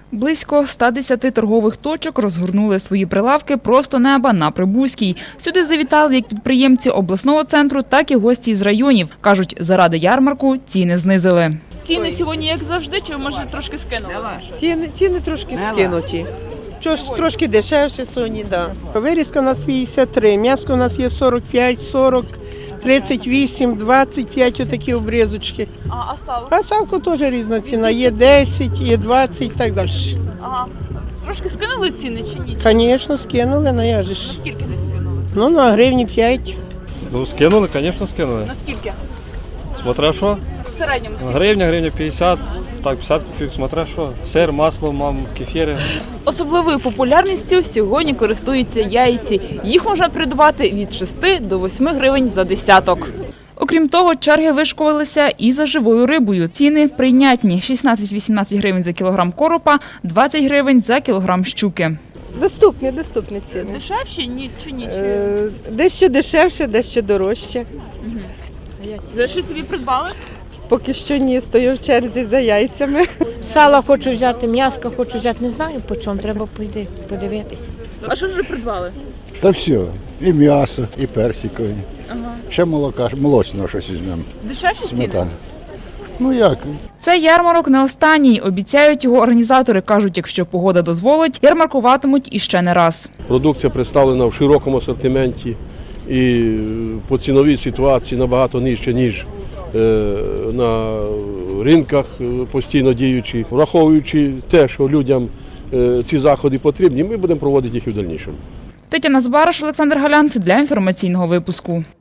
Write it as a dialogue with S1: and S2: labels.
S1: Близько 110 торгових точок розгорнули свої прилавки просто неба на Прибузькій. Сюди завітали як підприємці обласного центру, так і гості з районів. Кажуть, заради ярмарку ціни знизили.
S2: Ціни сьогодні як завжди, чи може трошки скинули?
S3: Ціни трошки скинуті. Трошки дешевше сьогодні, так. Да. Вирізка у нас 53, м'ясо у нас є 45, 40, 38, 25 отакі обрізочки.
S2: А сало?
S3: А салко теж різна ціна, є 10, є 20 і так далі.
S2: Ага. Трошки скинули ціни чи ні?
S3: Звісно, скинули, ну я ж.
S2: Скільки десь скинули?
S3: Ну, на гривні 5.
S4: Ну, скинули, звісно, скинули.
S2: Наскільки?
S4: Смотря що.
S2: В середньому скільки?
S4: Гривня 50, так, 50 копійок, смотря що. Сир, масло, кефіри.
S2: Особливою популярністю сьогодні користуються яйці. Їх можна придбати від 6 до 8 гривень за десяток.
S1: Окрім того, черги вишкувалися і за живою рибою. Ціни прийнятні – 16-18 гривень за кілограм коропа, 20 гривень за кілограм щуки.
S5: Доступні ціни.
S2: Дешевші чи ні?
S5: Дещо дешевше, дещо дорожче.
S2: Ви щось собі придбали?
S5: Поки що ні, стою в черзі за яйцями.
S6: Сала хочу взяти, м'яска хочу взяти, не знаю по чому, треба пойти подивитися.
S2: А що вже придбали?
S7: Та все, і м'ясо, і персикові. Ще молока, молочного щось візьмемо.
S2: Дешевші ціни?
S7: Сметана. Ну як?
S1: Цей ярмарок не останній. Обіцяють його організатори. Кажуть, якщо погода дозволить, ярмаркуватимуть іще не раз.
S8: Продукція представлена в широкому асортименті і по ціновій ситуації набагато нижче, ніж на ринках постійно діючих. Враховуючи те, що людям ці заходи потрібні, ми будемо проводити їх і в дальнішому.
S1: Тетяна Збараш, Олександр Галянт для інформаційного випуску.